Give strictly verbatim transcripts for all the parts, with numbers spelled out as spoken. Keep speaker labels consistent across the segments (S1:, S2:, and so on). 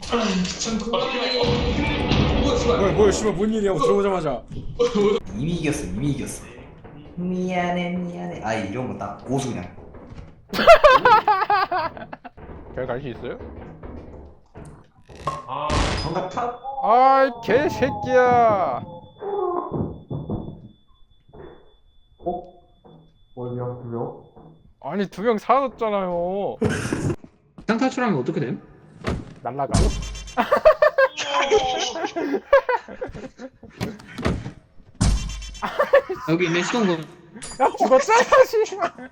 S1: 뭐야 뭐야 씨발 뭔 일이야 들어오자마자.
S2: 이미 이겼어 이미 이겼어. 미안해 미안해. 아 이런 거 딱 고수 그냥.
S3: 잘 갈 수 있어요?
S2: 정답 탑.
S3: 아이 개새끼야.
S2: 어? 어디야 두 명?
S3: 아니 두 명 사라졌잖아요.
S1: 쌍 탈출하면 어떻게 됨?
S3: 날라가.
S1: 여기 있네 시동건.
S3: 야 죽었잖아 씨발.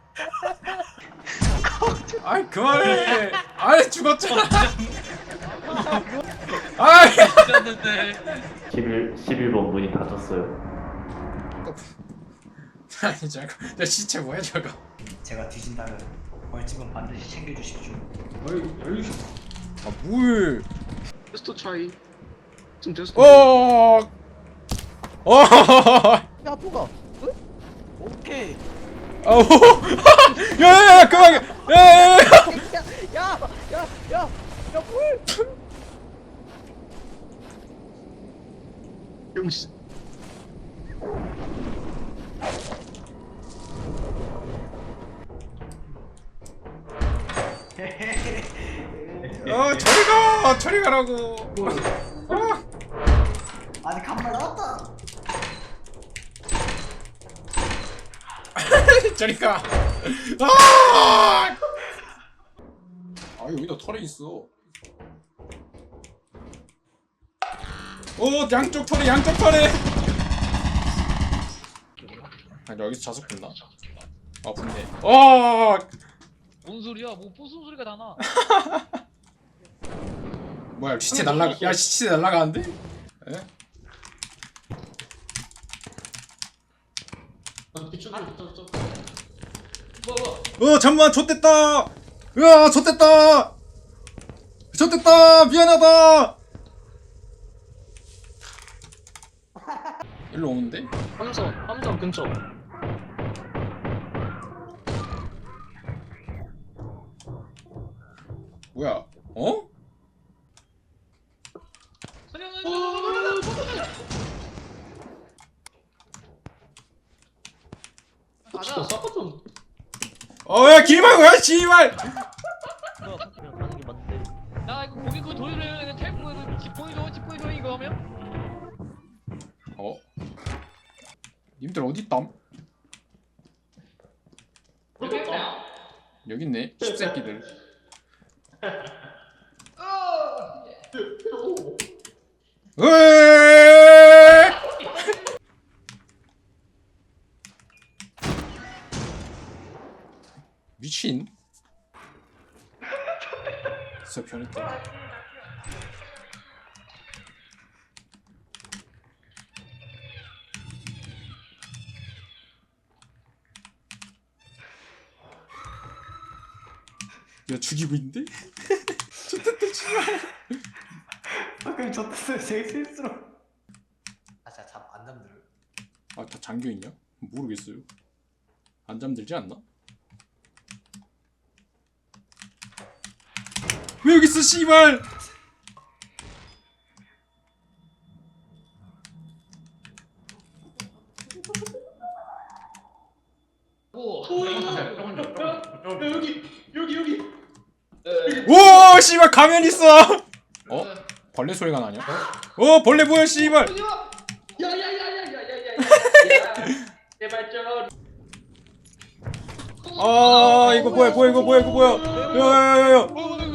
S1: 아이 그만해. 아이 죽었잖아. 아이.
S4: 십일, 십일 번 문이 닫혔어요.
S1: 아니 저거 저 시체 뭐야 저거.
S2: 제가 뒤진다면 벌집은 반드시 챙겨주십시오.
S1: 아 물.
S5: 테스트 차이 좀 테스트.
S1: 어. 어.
S6: 야 누가? 응? 오케이.
S1: 아우. 야야야 그만. 야야야.
S6: 야야야야야 물.
S5: 병신.
S1: 어 저리 가. 저리 가라고. 어.
S2: 아니 간발 나왔다.
S1: 저리 가. 아! 아 여기다 털이 있어. 오 양쪽 털에 양쪽 털에. 아 여기서 자석 본다. 아 분네. 어.
S7: 뭔 소리야? 뭐 부순 소리가 다 나.
S1: 뭐야 시체 날라가. 야 시체 날라가는데? 에? 어 잠만 좆됐다. 으아 좆됐다. 좆됐다 미안하다. 일로 오는데?
S5: 함선 함선 근처.
S1: 뭐야? 어?
S5: 진짜 싸봤던.
S1: 어야 길막 야 씨발.
S7: 나 이거 거기 그 돌을 텔 보여도 집 보이죠? 집 보이죠? 이거 하면?
S1: 어? 님들 어디 있담? 여기 있네. 십새끼들. 으에! 미친. 진짜 변했다. 야 죽이고 있는데? 좋겠다 씨발.
S2: 방금 졌어요 제일 실수로. 아 진짜 잠안 잠들어.
S1: 아 다 잠겨있냐? 모르겠어요. 안 잠들지 않나? 왜 여기 있어 씨발.
S5: 여기 여기 여기.
S1: 오 씨발 가면 있어. 어? 벌레 소리가 나냐? 어 벌레 뭐야 씨발.
S5: 야야야야야야야야. 제발 좀.
S1: 아 이거 뭐야 뭐야 이거 뭐야 이거 뭐야. 야야야야.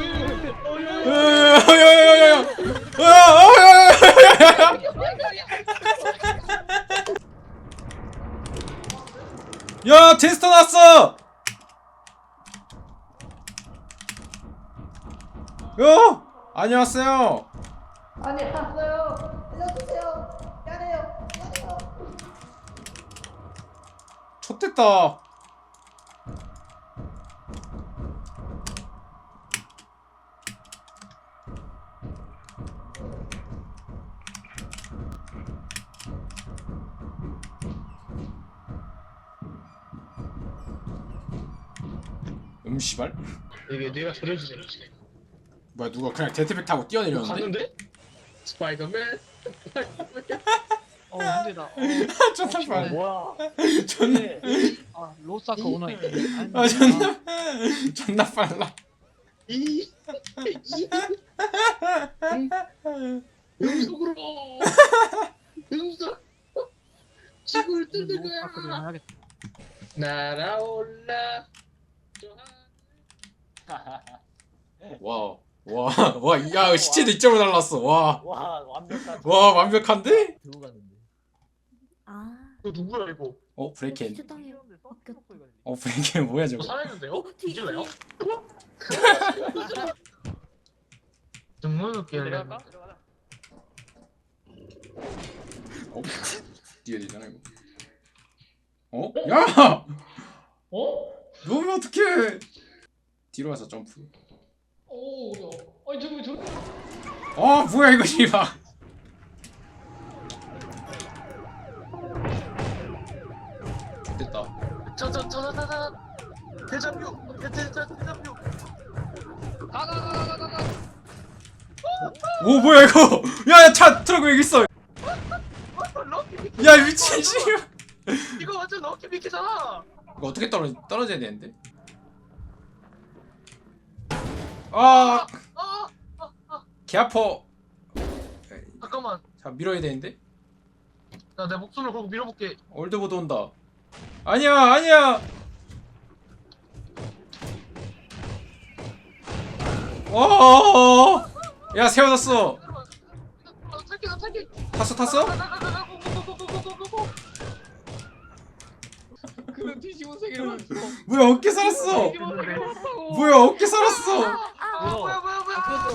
S1: 야야야야야. 야야야야야. 야 테스터 났어. 요 안녕하세요.
S6: 아니 왔어요. 알려주세요. 미안해요. 미안해요.
S1: 좆됐다. 음 씨발.
S5: 이게 내가 소리해주세요.
S1: 뭐야 누가 그냥 제트백 타고 뛰어내렸는데?
S5: 갔는데? 스파이더맨.
S7: 어 힘들다. 어,
S1: 존나
S7: 어,
S1: 빨라.
S4: 뭐야?
S1: 존나
S7: 아 로사카 오너 있네.
S1: 아 존나 존나 빨라.
S5: 이. 이. 음속으로. 음속. 지구를 뜯는
S7: 로사카 좀
S5: 거야.
S7: 해야겠다.
S5: 날아올라.
S1: 와. 와, 와, 야, 시체도 이점으로 날랐어. 와,
S4: 와 완벽한.
S1: 와, 완벽한데?
S6: 들고 갔는데.
S8: 아,
S5: 너 누구야 이거?
S1: 어, 브레이켄.
S8: 휴당에 바뀌었다.
S1: 어, 브레이켄 뭐야
S5: 너
S1: 저거?
S5: 살아있는데요?
S8: 뒤-
S5: 뒤질래요?
S8: 뒤에.
S5: 정말 웃기네.
S7: 내려갈까?
S1: 어? 뒤에 되잖아 이거. 어? 야!
S5: 어?
S1: 놓으면 어떡해? 뒤로 와서 점프.
S5: 오, 야. 아니 저기 저기.
S1: 아, 뭐야 이거 씨발. 됐다.
S5: 저저저저저 대장류. 대대대 대장류.
S7: 가가가가가가.
S1: 오, 뭐야 이거? 야, 야, 차 트럭 왜 여기 있어?
S5: 럭키
S1: 야, 미친 씨발.
S5: 이거 완전 럭키 미키잖아.
S1: 이거 어떻게 떨어 떨어져야 되는데? 아,
S5: 아,
S1: 개 아파.
S5: 잠깐만.
S1: 자, 밀어야 되는데?
S5: 나 내 목숨을 걸고 밀어볼게.
S1: 올드보드 온다. 아니야, 아니야. 어, 야, 세워졌어.
S5: 나 탈게, 나 탈게.
S1: 탔어, 탔어?
S7: 그는 뒤집은 세계를 봤어.
S1: 뭐야, 어깨 살았어.
S7: 뒤집은 세계를 봤다고.
S1: 뭐야, 어깨 살았어.
S5: 아, 뭐야, 뭐야, 뭐야.